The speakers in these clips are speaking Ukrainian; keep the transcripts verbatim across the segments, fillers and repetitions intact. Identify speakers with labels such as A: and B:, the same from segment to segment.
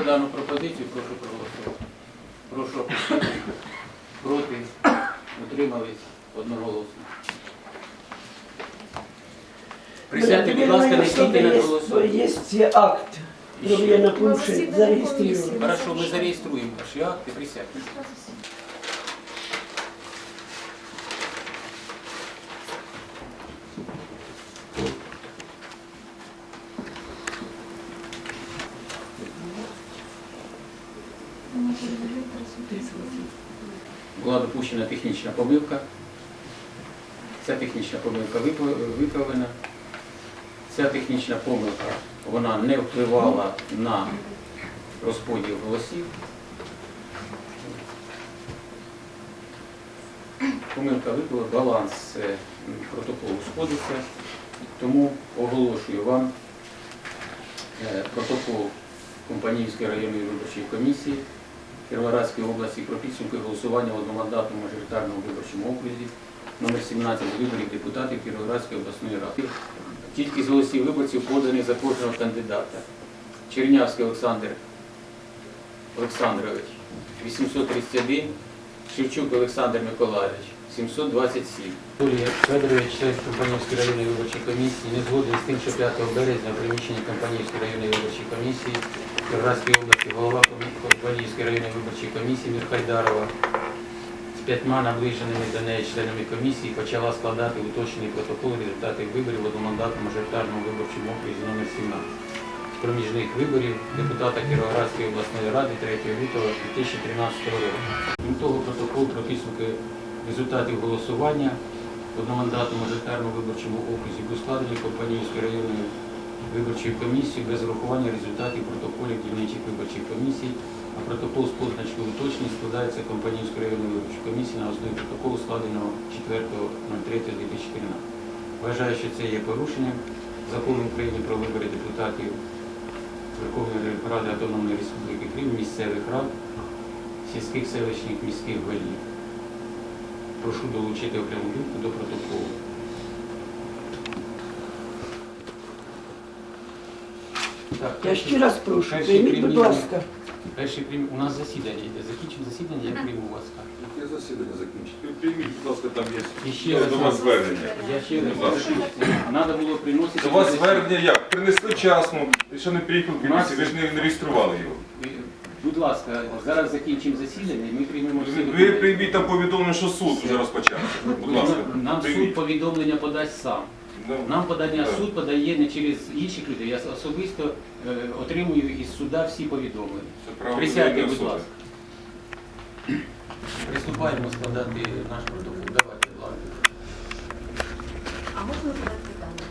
A: за дану пропозицію, прошу проголосувати. Прошу опустити. Проти. Утримались одноголосно. Присядьте, будь ласка, не стійте на голосування.
B: Є акт. Я на пункті зареєструю.
A: Хорошо, ми зареєструємо ваші акти, присядьте. Була допущена технічна помилка. Ця технічна помилка виправлена. Ця технічна помилка, вона не впливала на розподіл голосів. Помилка виправила, баланс протоколу сходиться, тому оголошую вам протокол Компанійської районної виборчої комісії Кіровоградської області про підсумки голосування в одномандатному мажоритарному виборчому окрузі номер сімнадцять виборів депутатів Кіровоградської обласної ради. Кількість голосів виборців подані за кожного кандидата. Чернявський Олександр Олександрович вісімсот тридцять один, Шевчук Олександр Миколайович сімсот двадцять сім. Юрій Федорович, член Компанійської районної виборчої комісії, не згоден з тим, що п'ятого березня в приміщенні Компанійської районної виборчої комісії Кіровоградської області голова Компанійської районної виборчої комісії Мірхайдарова з п'ятьма наближеними до неї членами комісії почала складати уточнений протокол результатів виборів в одномандатному мажоритарному виборчому окрузі номер сімнадцять з проміжних виборів депутата Кіровоградської обласної ради третього лютого дві тисячі тринадцятого року. Крім того, протокол про підсумки результатів голосування в одномандатному мажоритарному виборчому окрузі був складений Компанійською районною виборчою комісією без врахування результатів протоколів дільничих виборчих комісій, а протокол з позначкою уточнень складається Компанійською районною виборчою комісією на основі протоколу, складеного четвертого третього дві тисячі тринадцятого. Вважаю, що це є порушенням Закону України про вибори депутатів Верховної Ради Автономної Республіки Крим, місцевих рад, сільських, селищних, міських голів. Прошу долучити окрему думку до протоколу. Так,
B: Я ще раз прошу,
A: перший
B: прийміть, будь
A: примірник.
B: ласка.
A: Перший прийм... У нас засідання йде. Закінчимо засідання, я прийму вас.
C: Я засідання закінчити. Прийміть, будь ласка, там
A: І
C: є
A: ще раз
C: до вас звернення.
A: Я ще раз прошу. Треба було приносити...
C: До вас звернення як? Принесли вчасно, і що не приїхав в комісію, ви ж не не реєстрували його.
A: Будь ласка, зараз закінчимо засідання і ми приймемо всі
C: Ви
A: документи.
C: прийміть там повідомлення, що суд вже розпочався. Будь ласка,
A: Нам суд
C: прийміть.
A: повідомлення подасть сам.
C: Ну,
A: Нам подання
C: так.
A: суд подає не через інших людей. Я особисто е, отримую із суда всі повідомлення.
C: Це право
A: Присядьте,
C: людини
A: будь
C: особи.
A: ласка. Приступаємо складати наш протокол. Давайте, ладно.
D: А можна задати питання?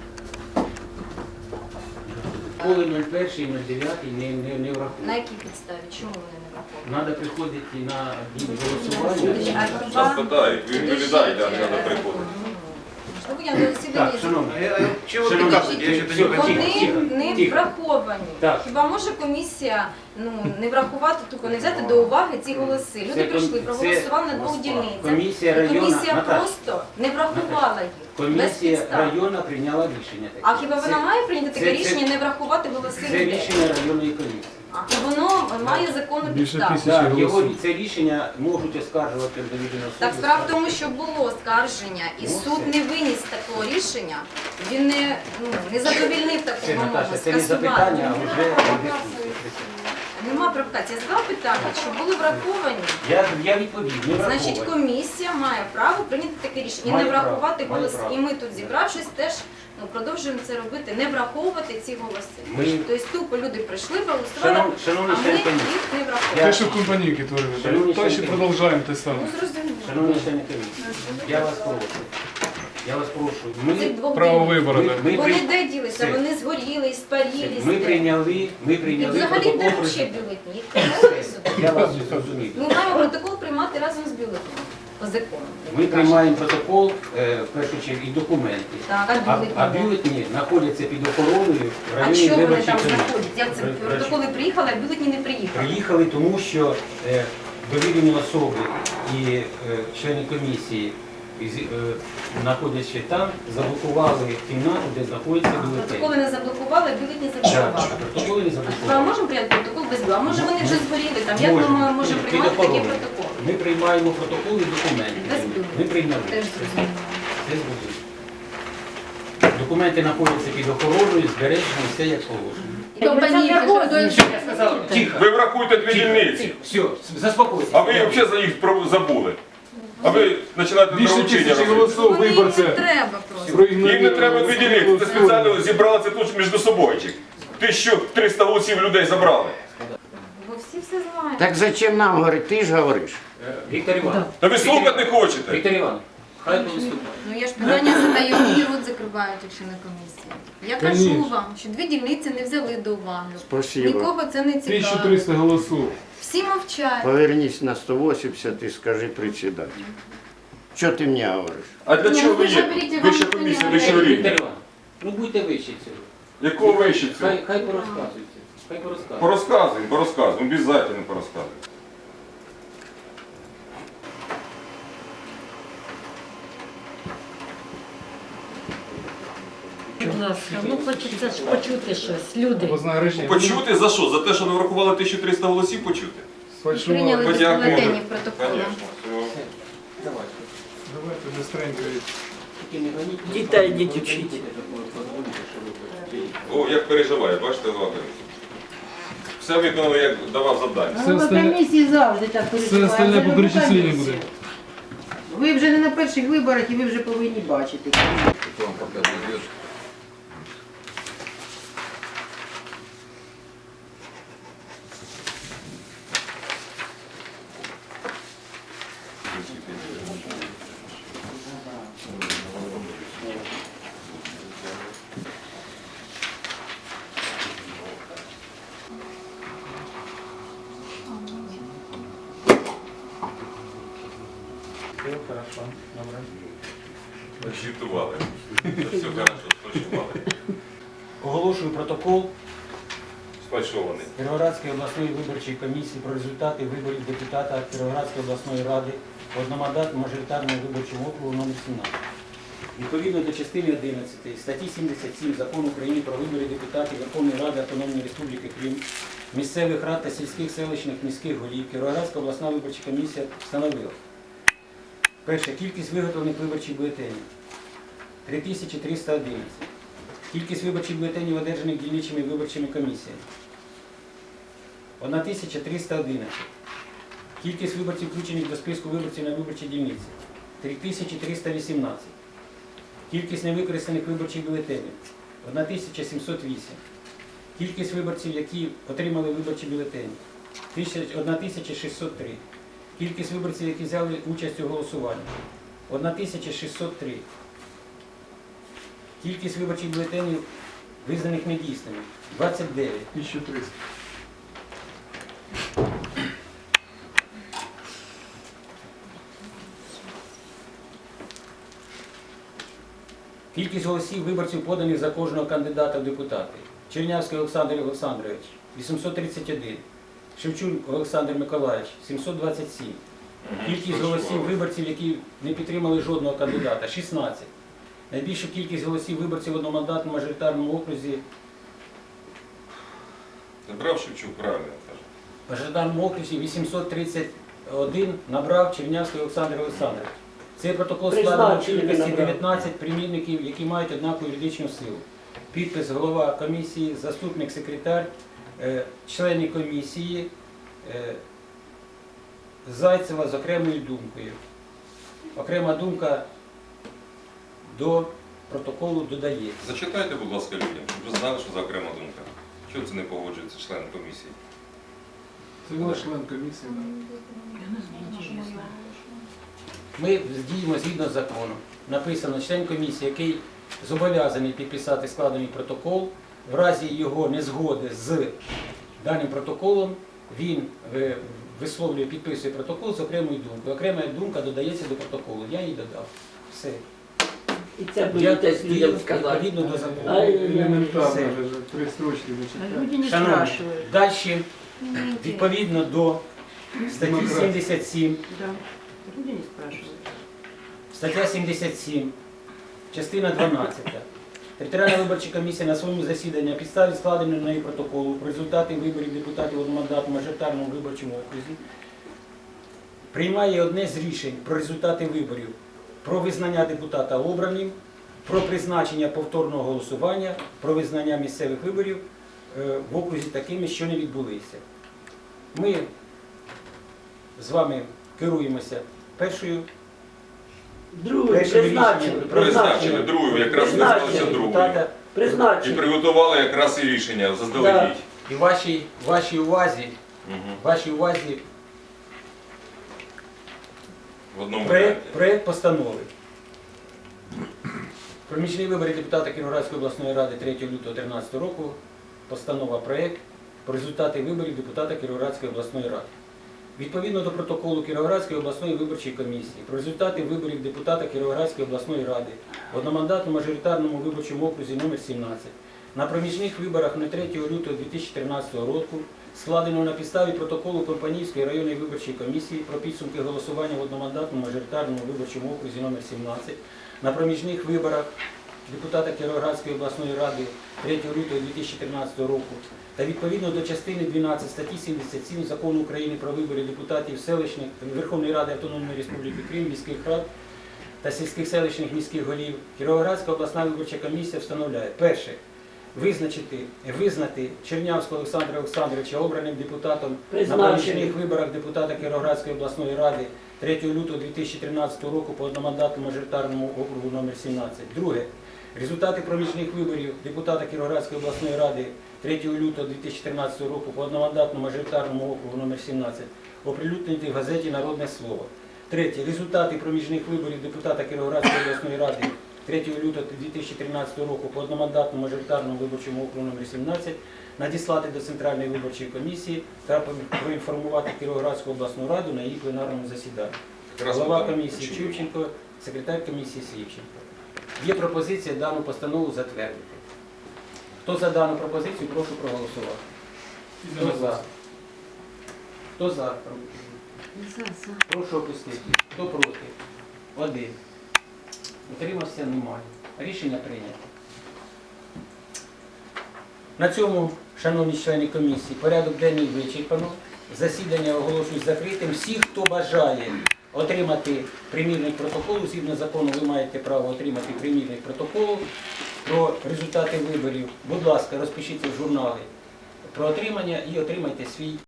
A: Коли нуль перший, нуль дев'ятий не, не, не
D: На
A: враховують.
D: якій підставі? Чому вони не враховані?
A: Треба приходити на день голосування.
D: А
C: Нас питають, ви відповідаєте, а не треба приходити.
D: Ну, я на засіданні
A: Так, шановні,
E: Чего вы
A: Шановні,
E: кажете? Я что-то не
A: тихо,
E: понимаю.
A: тихо, тихо,
D: Вони не
A: тихо.
D: враховані.
A: Так.
D: Хіба може комісія ну, не врахувати, тільки не взяти до уваги ці голоси? Люди
A: Це
D: прийшли,
A: ком-
D: проголосували на
A: це-
D: двох дільницях.
A: Комісія
D: І
A: районна,
D: комісія
A: Наташа,
D: просто не врахувала їх. Без
A: Комісія
D: підстав.
A: районна прийняла рішення таке.
D: А хіба вона
A: Це-
D: має прийняти таке
A: це-
D: рішення не врахувати голоси
A: Це
D: людей?
A: рішення районної комісії.
D: І воно має законну підставу.
A: Так, його це рішення можуть оскаржувати до відомо
D: Так,
A: суду.
D: справа в тому, що було оскарження, і
A: Ну,
D: суд
A: все.
D: не виніс такого рішення, він не, ну, не задовільнив таку
A: Це,
D: вимогу,
A: Наташа, це не запитання, а вже
D: Нема провокації. Я задала питання, що були враховані.
A: Я, я відповів, не
D: Значить,
A: враховані.
D: комісія має право прийняти таке рішення і
A: Має
D: не врахувати
A: право, має
D: голоси.
A: право.
D: І ми тут, зібравшись, теж ну, продовжуємо це робити, не враховувати ці голоси.
A: Ми-
D: Тобто тупо люди прийшли, проголосували,
A: Шанов- шановні
D: а ми
A: члени
D: їх
A: комісії,
D: не
A: Я-
D: враховували.
F: Те, що в компанійки творили,
A: Шановні
F: то ще
A: члени
F: продовжуємо те саме.
D: Ну, зрозуміло.
A: Шановні члени комісії, я вас прошу. Я вас прошу. Ми,
D: Цих двох
F: Право
D: днів.
F: вибору.
A: ми,
F: так.
A: ми,
D: Вони
A: при-
D: де ділися?
A: Це-
D: Вони згоріли, спарілись.
A: ми
D: де?
A: прийняли, ми
D: І
A: прийняли
D: взагалі
A: протокол.
D: де
A: про-
D: взагалі бюлетні? Їх принесли сюди.
A: Я вас зрозумів.
D: Ми маємо протокол приймати разом з бюлетнем по закону.
A: Ми приймаємо протокол, е, в першу чергу, і документи.
D: Так, а
A: А,
D: бюлетні?
A: а
D: де?
A: бюлетні знаходяться під охороною в
D: А
A: районі
D: що вони
A: виборчої
D: там
A: комісії.
D: знаходять? Як це
A: При- при-
D: протоколи приїхали, а бюлетні не приїхали?
A: Приїхали, тому що е, довірені особи і е, члени комісії і, з- е, знаходячи там, заблокували кімнату, де знаходиться бюлетень.
D: Протоколи не заблокували, бюлетні
A: Так,
D: заблокували.
A: протоколи не
D: А
A: заблокували.
D: можемо прийняти протокол без бюлетня? Може вони вже згоріли там? Як ми
A: Можемо.
D: мо- можемо
A: Під
D: приймати такі
A: охороною.
D: протоколи?
A: Ми приймаємо протоколи і документи.
D: Без бюлетня.
A: Ми прийняли.
D: Теж зрозуміло.
A: Це зробили. Документи знаходяться під охороною, збережені, все як положено. Я сказав, тихо.
C: Ви врахуйте дві
A: Тихо,
C: дільниці.
A: тихо, все, заспокойтесь.
C: А ви взагалі за їх про- забули. А ви починаєте
E: Більше
C: доручення
E: тисячі
C: робити.
E: голосів
D: Вони їм
E: виборця.
D: не треба просто.
E: проігнорує
C: Їм не треба дві дільниці. Це
E: голосування.
C: спеціально зібралися тут між собою. тисяча триста голосів людей забрали.
D: Бо всі все знають.
F: Так зачем нам говорить? Ти ж говориш.
A: Е, Віктор Іванович.
C: Та ви слухати не хочете.
A: Віктор Іванович, хай виступає.
D: Ну я ж питання задаю, і рот закривають, якщо на комісії. Я кажу
E: Конечно.
D: вам, що дві дільниці не взяли до уваги.
F: Спасибо.
D: Нікого це не
E: тисяча
D: цікаво.
E: триста голосів.
D: Всі мовчать.
F: Повернись на сто вісімдесят і скажи председателю. Що ти мені говориш?
C: А для
D: Ні,
C: чого
D: ну
C: ви
D: ви ж
C: є?
D: оберіть, вам
C: Вища
D: ніхто не
C: комісія,
D: говорить.
C: вищого
A: Віктор
C: рівня.
A: Іванович, ну будьте вище цього.
C: Якого вище цього?
A: Хай, хай порозказуйте. Хай порозказуйте.
C: Порозказуємо, порозказуємо, обов'язково порозказуємо.
G: Будь ласка, ну хочеться ж почути щось, люди.
E: Обласне рішення.
C: Почути за що? За те, що не врахували тисячу триста голосів почути?
E: Сфальшували.
D: Прийняли без
C: Подякуємо.
D: бюлетенів протоколи.
C: Звісно. все.
A: Давайте.
E: Давайте быстренько.
A: Тільки не гоніть.
B: Дітей
A: Ви
B: йдіть
A: позвоните,
B: вчіть.
A: позвоните, що ви хочете.
C: О, як переживає, бачите, Володимир? Все виконали, як давав завдання.
E: Все остальне-
B: комісії завжди так
E: Все
B: переживають.
E: остальне
B: Це
E: по
B: ж
E: перечисленню
B: комісія.
E: буде.
B: Ви вже не на перших виборах і ви вже повинні бачити.
A: Хто вам показує? Все хорошо, добре.
C: Звітували. Все хорошо, сфальшували.
A: Оголошую протокол
C: Сфальшований.
A: Кіровоградської обласної виборчої комісії про результати виборів депутата Кіровоградської обласної ради одномандатного мажоритарного виборчого округу номер сімнадцять. Відповідно до частини одинадцятої статті сімдесят сім Закону України про вибори депутатів Верховної Ради Автономної Республіки Крим, місцевих рад та сільських селищних міських голів Кіровоградська обласна виборча комісія встановила. Перше. Кількість виготовлених виборчих бюлетенів – три тисячі триста одинадцять. Кількість виборчих бюлетенів, одержаних дільничими виборчими комісіями – одна тисяча триста одинадцять. Кількість виборців, включених до списку виборців на виборчій дільниці – три тисячі триста вісімнадцять. Кількість невикористаних виборчих бюлетенів – одна тисяча сімсот вісім. Кількість виборців, які отримали виборчі бюлетені – одна тисяча шістсот три. Кількість виборців, які взяли участь у голосуванні – одна тисяча шістсот три. Кількість виборчих бюлетенів, визнаних недійсними – двадцять дев'ять.
E: тисяча триста.
A: Кількість голосів виборців, поданих за кожного кандидата в депутати. Чернявський Олександр Олександрович – вісімсот тридцять один. Шевчук Олександр Миколаївич – сімсот двадцять сім. Кількість голосів виборців, які не підтримали жодного кандидата – шістнадцять. Найбільшу кількість голосів виборців в одномандатному мажоритарному окрузі
C: Брав Шевчук, правильно каже.
A: в мажоритарному окрузі вісімсот тридцять один набрав Чернявський Олександр Олександрович. Цей протокол складено в
B: Призначили,
A: кількості
B: набрав.
A: дев'ятнадцять примірників, які мають однакову юридичну силу. Підпис голова комісії, заступник секретар, е, члени комісії, е, Зайцева з окремою думкою. Окрема думка до протоколу додається.
C: Зачитайте, будь ласка, людям, щоб ви знали, що за окрема думка. Чого це не погоджується член комісії?
E: Це була член комісії. да.
A: Ми діємо згідно з законом. Написано, член комісії, який зобов'язаний підписати складений протокол, в разі його незгоди з даним протоколом, він е, висловлює, підписує протокол з окремою думкою. Окрема думка додається до протоколу. Я її додав. Все.
B: І це
A: Я
B: боїтесь
A: дію
B: людям сказати.
A: відповідно до закону.
B: Ай,
E: Елементарно
A: Все.
E: вже три строчки
B: А
E: зачитати.
B: люди не
A: Шановні,
B: спрашивают.
A: далі, відповідно до статті
E: Демократія.
A: сімдесят сім,
B: Да. Люди не спрашивают.
A: Стаття сімдесят сім, частина дванадцята. Територіальна виборча комісія на своєму засіданні на підставі складеного нею протоколу про результати виборів депутатів одномандатному мажоритарному виборчому окрузі приймає одне з рішень про результати виборів, про визнання депутата обраним, про призначення повторного голосування, про визнання місцевих виборів е, в окрузі такими, що не відбулися. Ми з вами керуємося першою
B: Другий
A: першим
B: призначили,
A: рішенням.
C: Призначили другу, якраз
B: Призначили.
C: визналися другою.
A: депутата.
C: І
B: Призначили.
C: приготували якраз і рішення заздалегідь.
A: І вашій, вашій увазі,
C: Угу.
A: вашій увазі
C: В одному
A: проект,
C: варіанті.
A: проект постанови. Проміжні вибори депутата Кіровоградської обласної ради третього лютого дві тисячі тринадцятого року. Постанова проект про результати виборів депутата Кіровоградської обласної ради. Відповідно до протоколу Кіровоградської обласної виборчої комісії про результати виборів депутата Кіровоградської обласної ради в одномандатному мажоритарному виборчому окрузі номер сімнадцять на проміжних виборах на третього лютого дві тисячі тринадцятого року, складеного на підставі протоколу Компанійської районної виборчої комісії про підсумки голосування в одномандатному мажоритарному виборчому окрузі номер сімнадцять на проміжних виборах депутата Кіровоградської обласної ради третього лютого дві тисячі тринадцятого року та відповідно до частини дванадцять статті сімдесят сім Закону України про вибори депутатів селищних Верховної Ради Автономної Республіки Крим, міських рад та сільських селищних міських голів, Кіровоградська обласна виборча комісія встановляє: перше, визначити, визнати Чернявського Олександра Олександровича обраним депутатом на
B: Призначили.
A: проміжних виборах депутата Кіровоградської обласної ради третього лютого дві тисячі тринадцятого року по одномандатному мажоритарному округу номер сімнадцять. Друге, результати проміжних виборів депутата Кіровоградської обласної ради третього лютого дві тисячі тринадцятого року по одномандатному мажоритарному округу номер сімнадцять оприлюднені в газеті «Народне слово». Третє, результати проміжних виборів депутата Кіровоградської обласної ради третього лютого дві тисячі тринадцятого року по одномандатному мажоритарному виборчому округу номер сімнадцять надіслати до Центральної виборчої комісії та проінформувати Кіровоградську обласну раду на її пленарному засіданні.
C: Якраз
A: Голова
C: потім
A: комісії
C: чули.
A: Чубченко, секретар комісії Слівченко. Є пропозиція дану постанову затвердити. Хто за дану пропозицію, прошу проголосувати. Хто за? Хто за?
G: За, за.
A: Прошу опустити. Хто проти? Один. Утримався? Немає. Рішення прийнято. На цьому, шановні члени комісії, порядок денний вичерпано. Засідання оголошую закритим. Всі, хто бажає отримати примірник протоколу, згідно закону ви маєте право отримати примірник протоколу про результати виборів. Будь ласка, розпишіться в журнали про отримання і отримайте свій